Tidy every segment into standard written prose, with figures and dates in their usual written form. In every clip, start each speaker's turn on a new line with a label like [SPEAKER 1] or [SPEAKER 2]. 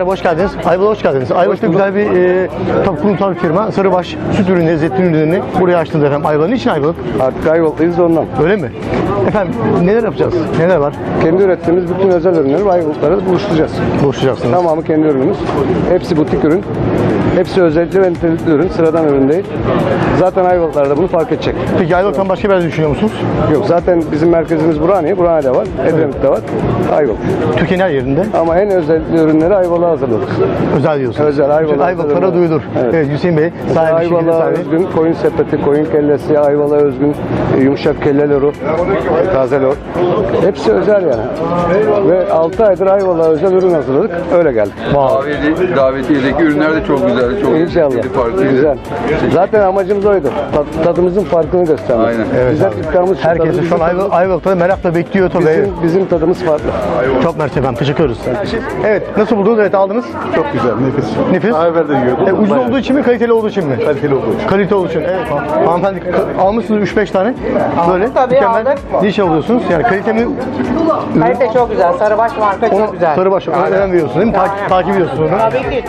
[SPEAKER 1] Merhaba, hoş geldiniz. Ayvalık'a hoş geldiniz. Ayvalık'ta güzel bir tabii kurumsal bir firma. Sarıbaş süt ürünleri, zeytin ürünlerini buraya açtınız efendim. Ayvalık. Niçin Ayvalık?
[SPEAKER 2] Artık Ayvalık'tayız ondan.
[SPEAKER 1] Öyle mi? Efendim neler yapacağız? Neler var?
[SPEAKER 2] Kendi ürettiğimiz bütün özel ürünleri Ayvalık'lara buluşturacağız.
[SPEAKER 1] Buluşacaksınız.
[SPEAKER 2] Tamamı kendi ürünümüz. Hepsi butik ürün. Hepsi özellikle ve nitelikli ürün. Sıradan ürün değil. Zaten Ayvalıklar da bunu fark edecek.
[SPEAKER 1] Peki Ayvalık'tan başka bir yer düşünüyor musunuz?
[SPEAKER 2] Yok, zaten bizim merkezimiz Burhaniye. Burhaniye'de var. Edremit'te var. Ayvalık.
[SPEAKER 1] Türkiye'nin her yerinde.
[SPEAKER 2] Ama en özellikli ürünleri Ayvalık'a hazırladık.
[SPEAKER 1] Özel diyorsunuz.
[SPEAKER 2] Özel, Ayvalık'a
[SPEAKER 1] Ayvalıklara
[SPEAKER 2] özel.
[SPEAKER 1] duyulur.
[SPEAKER 2] Evet.
[SPEAKER 1] Evet, Hüseyin Bey sahibi, şirketin
[SPEAKER 2] Ayvalık'a
[SPEAKER 1] sahibi.
[SPEAKER 2] özgün koyun sepeti, koyun kellesi, Ayvalık'a özgün yumuşak kelle loru, taze lor. Hepsi özel yani. Ve 6 aydır Ayvalık'a özel ürün hazırladık. Öyle geldik.
[SPEAKER 3] Davetiyedeki ürünler de çok güzel, çok
[SPEAKER 2] İnşallah.
[SPEAKER 3] lezzetli, farklı.
[SPEAKER 2] Güzel. Zaten amacımız oydu. Tadımızın farkını göstermek.
[SPEAKER 3] Aynen.
[SPEAKER 1] Evet
[SPEAKER 2] Biz hep
[SPEAKER 1] abi.
[SPEAKER 2] iddiamız şu,
[SPEAKER 1] Herkes
[SPEAKER 2] tadımızın
[SPEAKER 1] şu an
[SPEAKER 2] tadı-
[SPEAKER 1] Ayvalık'ta merakla bekliyor tabii.
[SPEAKER 2] Bizim tadımız farklı.
[SPEAKER 1] Çok mersi efendim. Teşekkür ederiz. Evet. Nasıl buldunuz? Evet, aldınız.
[SPEAKER 4] Çok güzel, nefis.
[SPEAKER 1] Nefis.
[SPEAKER 4] Daha evvel de yiyordum.
[SPEAKER 1] Ucuz olduğu için mi, kaliteli olduğu için mi?
[SPEAKER 4] Kaliteli olduğu için.
[SPEAKER 1] Kalite olduğu için. Evet. Hanımefendi almışsınız 3-5 tane. Böyle.
[SPEAKER 5] Tabii,
[SPEAKER 1] mükemmel.
[SPEAKER 5] aldık.
[SPEAKER 1] Ne iş alıyorsunuz? Yani kalite mi?
[SPEAKER 5] Kalite çok güzel. Sarıbaş marka çok güzel.
[SPEAKER 1] Sarıbaş. Ona önem veriyorsunuz değil mi? Takip ediyorsunuz onu.
[SPEAKER 5] Tabii ki.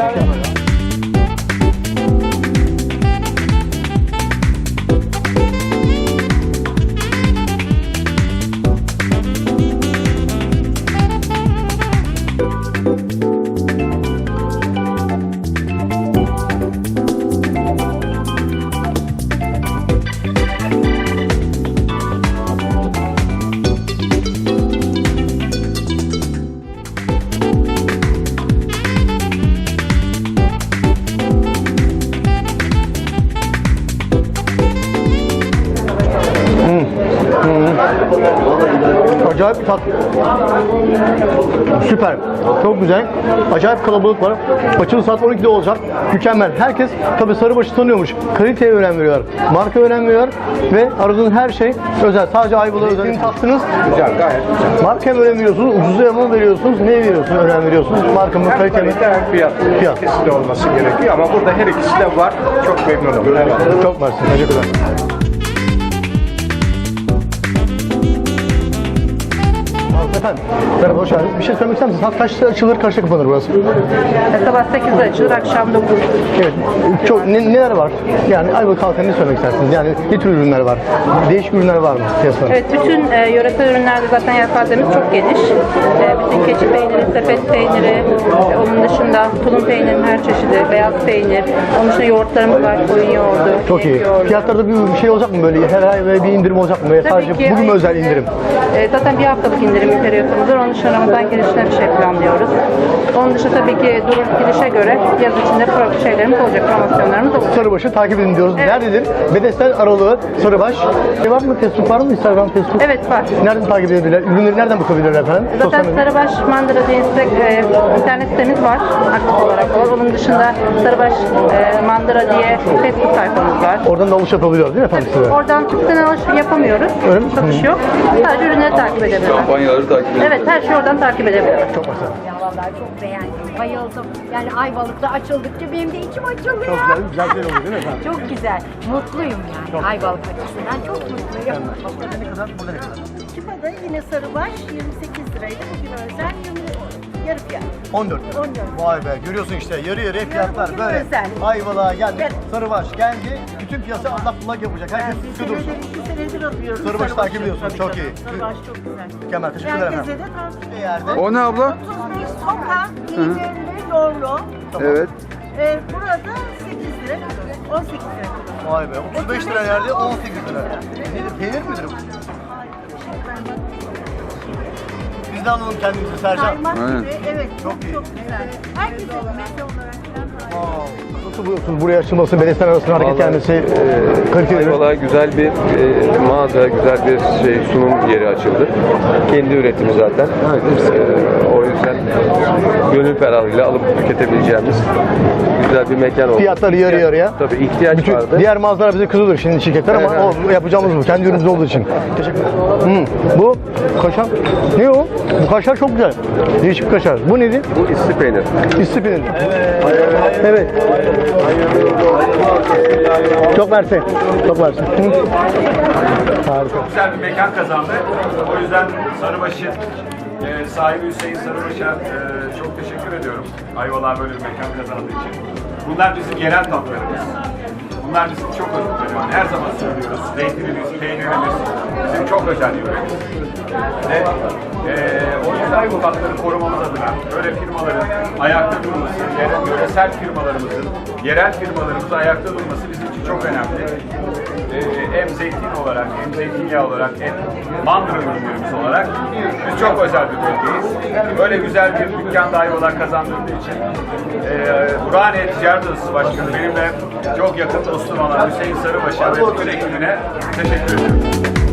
[SPEAKER 1] Acayip bir tat. Süper. Çok güzel. Acayip kalabalık var. Açılış saat 12'de olacak. Mükemmel. Herkes tabii Sarıbaş'ı tanıyormuş. Kaliteye önem veriyor. Marka önem veriyor. Ve aradığınız her şey özel. Sadece Ayvalık'a özel. Tattınız.
[SPEAKER 4] Güzel, gayet güzel.
[SPEAKER 1] Markaya mı önem veriyorsunuz? Ucuza mı veriyorsunuz? Neye veriyorsunuz? Önem veriyorsunuz? Marka mı? Kalite mi?
[SPEAKER 4] Kalite hem fiyat.
[SPEAKER 1] Fiyat.
[SPEAKER 4] İkisi de olması gerekiyor ama burada her ikisi de var. Çok memnunum. Evet.
[SPEAKER 1] Çok mersi. Teşekkürler. Efendim, merhaba, hoş geldiniz. Bir şey söylemek ister misiniz? Saat kaçta açılır, kaçta kapanır burası?
[SPEAKER 5] Sabah 8'de açılır, akşam 9.
[SPEAKER 1] Evet, çok neler var? Yani Ayvalık halkına ne söylemek istersiniz? Yani ne tür ürünler var? Değişik ürünler var mı piyasada?
[SPEAKER 5] Evet, bütün yöresel ürünlerde zaten yelpazemiz çok geniş. Bütün keçi peyniri, sepet peyniri, onun dışında tulum peynirinin her çeşidi, beyaz peynir, onun dışında yoğurtlarımız var, koyun yoğurdu,
[SPEAKER 1] Çok iyi.
[SPEAKER 5] inek yoğurdu.
[SPEAKER 1] Fiyatlarda bir şey olacak mı böyle? Her ay böyle bir indirim olacak mı?
[SPEAKER 5] Tabii
[SPEAKER 1] Sadece
[SPEAKER 5] ki,
[SPEAKER 1] bugün mü özel indirim?
[SPEAKER 5] Zaten bir haftalık indirim periyodumuz var. Onun dışında Ramazan girişine bir şey planlıyoruz. Onun dışında tabii ki durum girişe göre yaz içinde farklı şeylerimiz olacak, promosyonlarımız olacak.
[SPEAKER 1] Sarıbaş'ı takip edin diyoruz.
[SPEAKER 5] Evet.
[SPEAKER 1] Nerededir? Bedesten aralığı Sarıbaş. Var mı? Facebook var mı? Instagram, Facebook?
[SPEAKER 5] Evet, var.
[SPEAKER 1] Nereden takip edebilirler? Ürünleri nereden bakabilirler efendim?
[SPEAKER 5] Zaten
[SPEAKER 1] Sosyal medya.
[SPEAKER 5] Sarıbaş Mandıra diye internet sitemiz var, aktif olarak var. Onun dışında Sarıbaş Mandıra diye Facebook sayfamız var.
[SPEAKER 1] Oradan da alış yapabiliyoruz değil mi efendim size?
[SPEAKER 5] Oradan tüpten alış yapamıyoruz.
[SPEAKER 1] Öyle mi?
[SPEAKER 5] Satış yok. Sadece ürünleri takip edebilirler.
[SPEAKER 3] Kampanyaları takip edin.
[SPEAKER 5] Evet, her şeyi oradan takip edebilirler.
[SPEAKER 1] Çok güzel.
[SPEAKER 6] Ya vallahi çok beğendim, bayıldım. Yani Ayvalık'ta açıldıkça benim de içim açılıyor.
[SPEAKER 1] Çok güzel, güzel şey oluyor değil mi efendim?
[SPEAKER 6] Çok güzel, mutluyum yani Ayvalık açısından çok mutluyum.
[SPEAKER 1] Ne kadar? Burada ne kadar?
[SPEAKER 7] Çipada yine sarıbaş 28 liraydı. Bugün özel yarı fiyat.
[SPEAKER 1] 14 lira.
[SPEAKER 7] 14.
[SPEAKER 1] Vay be, görüyorsun işte yarı yarıya fiyatlar
[SPEAKER 7] bugün
[SPEAKER 1] böyle.
[SPEAKER 7] özel.
[SPEAKER 1] Ayvalık'a geldi,
[SPEAKER 7] Evet.
[SPEAKER 1] Sarıbaş geldi. Bütün piyasa allak bullak yapacak. Herkes
[SPEAKER 7] Bir
[SPEAKER 1] tutuyor dursun.
[SPEAKER 7] senedir, 2 senedir alıyoruz.
[SPEAKER 1] Sarıbaş'ı takip
[SPEAKER 7] Sarıbaş'ı.
[SPEAKER 1] ediyorsun,
[SPEAKER 7] Tabii,
[SPEAKER 1] çok
[SPEAKER 7] tabii.
[SPEAKER 1] iyi.
[SPEAKER 7] Sarıbaş çok güzel.
[SPEAKER 1] Mükemmel, teşekkürler
[SPEAKER 7] Herkese
[SPEAKER 1] efendim.
[SPEAKER 7] de tavsiye
[SPEAKER 1] Bir yerde.
[SPEAKER 3] O ne abla?
[SPEAKER 7] 35 sokak, peynirli, lorlu.
[SPEAKER 3] Evet.
[SPEAKER 7] Burada 8 lira, 18 lira.
[SPEAKER 1] Vay be, 35 lira yerde 18 lira. Nedir, peynir midir bu? Biz de alalım kendimizi Sercan.
[SPEAKER 7] Kaymak
[SPEAKER 3] Aynen.
[SPEAKER 7] gibi, evet çok
[SPEAKER 1] Çok iyi.
[SPEAKER 7] çok güzel. Herkese meze olarak falan harika.
[SPEAKER 1] Nasıl buluyorsunuz buraya açılması, bedesten arasında hareket gelmesi, kaliteli ürün?
[SPEAKER 8] Ayvalık'a güzel bir mağaza, güzel bir sunum yeri açıldı. Kendi üretimi zaten. O yüzden gönül ferahlığıyla alıp tüketebileceğimiz güzel bir mekan oldu.
[SPEAKER 1] Fiyatları yarı yarıya.
[SPEAKER 8] Tabii ihtiyaç
[SPEAKER 1] Bütün
[SPEAKER 8] vardı.
[SPEAKER 1] diğer mağazalar bize kızılır şimdi şirketler ama
[SPEAKER 8] Evet.
[SPEAKER 1] o yapacağımız bu. Kendi ürünümüz olduğu için. Teşekkürler. Bu kaşar. Ne o? Bu kaşar çok güzel. Değişik bir kaşar. Bu nedir?
[SPEAKER 8] Bu isli peynir.
[SPEAKER 1] İsli peynir. Evet. Çok mersi. Çok mersi. Harika.
[SPEAKER 9] Güzel bir mekan kazandı. O yüzden Sarıbaş'ı
[SPEAKER 4] sahibi Hüseyin Sarıbaş'a çok teşekkür ediyorum. Ayvalık'a böyle bir mekan kazandığı için. Bunlar bizim yerel tatlarımız. Bunlar bizim çok önemli. Her zaman söylüyoruz. Zeytinimiz, peynirimiz bizim çok özel yöremiz. Ve o yüzden Ayvalık tatları korumamız adına böyle firmaların ayakta durması, yöresel firmalarımızın, yerel firmalarımızın ayakta durması bizim için çok önemli. Hem zeytin olarak, hem zeytinyağı olarak, hem mandıra ürünlerimiz olarak biz çok özel bir bölgeyiz. Böyle güzel bir dükkan da Ayvalık'a kazandırdığı için Burhaniye Ticaret Odası Başkanı benimle çok yakın dostum olan Hüseyin Sarıbaş'a ve bütün ekibine teşekkür ediyorum.